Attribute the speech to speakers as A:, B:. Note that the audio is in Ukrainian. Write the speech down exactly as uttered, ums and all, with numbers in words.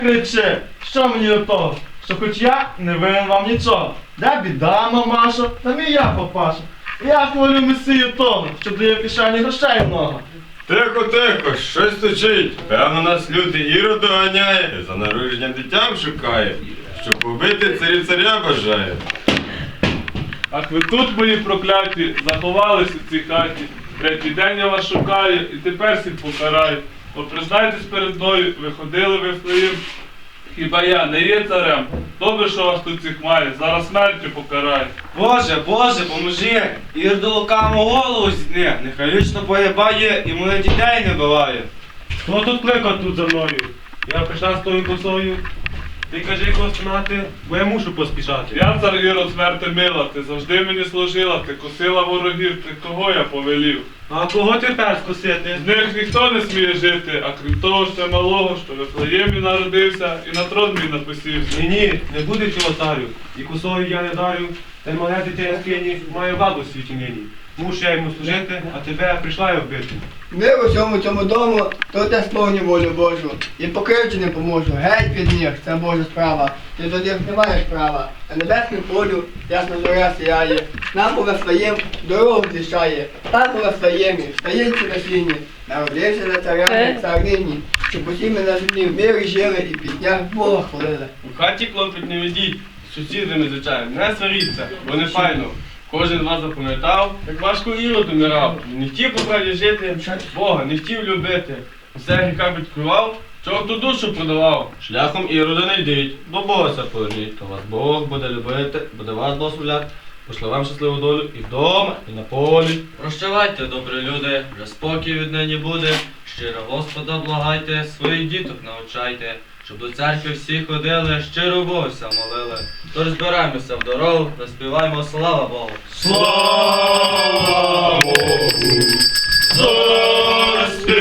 A: кричи, що мені до того, що хоч я не винен вам нічого. Де біда, мамашо, там і я, папаша. Я хвалю месію того, що дає в кишені грошей много.
B: Тихо, тихо, щось стучить. Певно, нас лютий Ірод доганяє, за народженням дитям шукає, щоб побити царі царя бажає.
C: Ах ви тут, мої прокляті, заховались у цій хаті. Третій день я вас шукаю і тепер всіх покараю. Бо признайтесь перед мною, ви ходили в Вифлеєм. Хіба я не є царем? Добре, що вас тут всіх має, зараз смертю покараю.
D: Боже, Боже, поможи! Ір до лукавому голову зітне, нехай вічно поєбає і моїх дітей не биває.
E: Хто тут кликав тут за мною? Я прийшла з тою косою. Ти кажи, кого спинати, бо я мушу поспішати.
C: Я цар Ірод смерти мила, ти завжди мені служила, ти косила ворогів, ти кого я повелів?
E: А кого тепер скосити?
C: З них ніхто не сміє жити, а крім того ще малого, що в Вифлеємі народився і на трон мій написівся.
E: Ні, ні, не буде цього царю. І косою я не дарю, та й мале дитя скині має владу в світі нині. Мушу я йому служити, а тебе прийшла я вбити.
F: Ми в усьому цьому дому, тут я сповню волю Божу. І покривчі не поможу. Геть від них, це Божа справа. Ти до них не маєш права. На небесному полю ясно зоря сіяє. Нам у Вифлеєм дорогу зліщає. Там у Вифлеємі, стаєнці на сіні. Народився за царями царині. Щоб усі ми на землі в мирі жили і в піснях Бога хвалили.
D: У хаті клопіт не ведіть, з сусідами, звичайно, не сваріться, бо не файно. Кожен з вас запам'ятав, як важко Ірод умирав. Не хотів по правді жити, Бога не хотів любити. Усе гріха підкривав, чого ту душу продавав.
G: Шляхом Ірода не йдіть, до Бога це поверніть, то вас Бог буде любити, буде вас благословляти, пошле вам щасливу долю і вдома, і на полі.
H: Прощавайте, добрі люди, вже спокій віднині буде. Щиро Господа благайте, своїх діток навчайте, щоб до церкви всі ходили, щиро Богся молили. Тож збираємося в дорогу, заспіваємо слава Богу.
C: Слава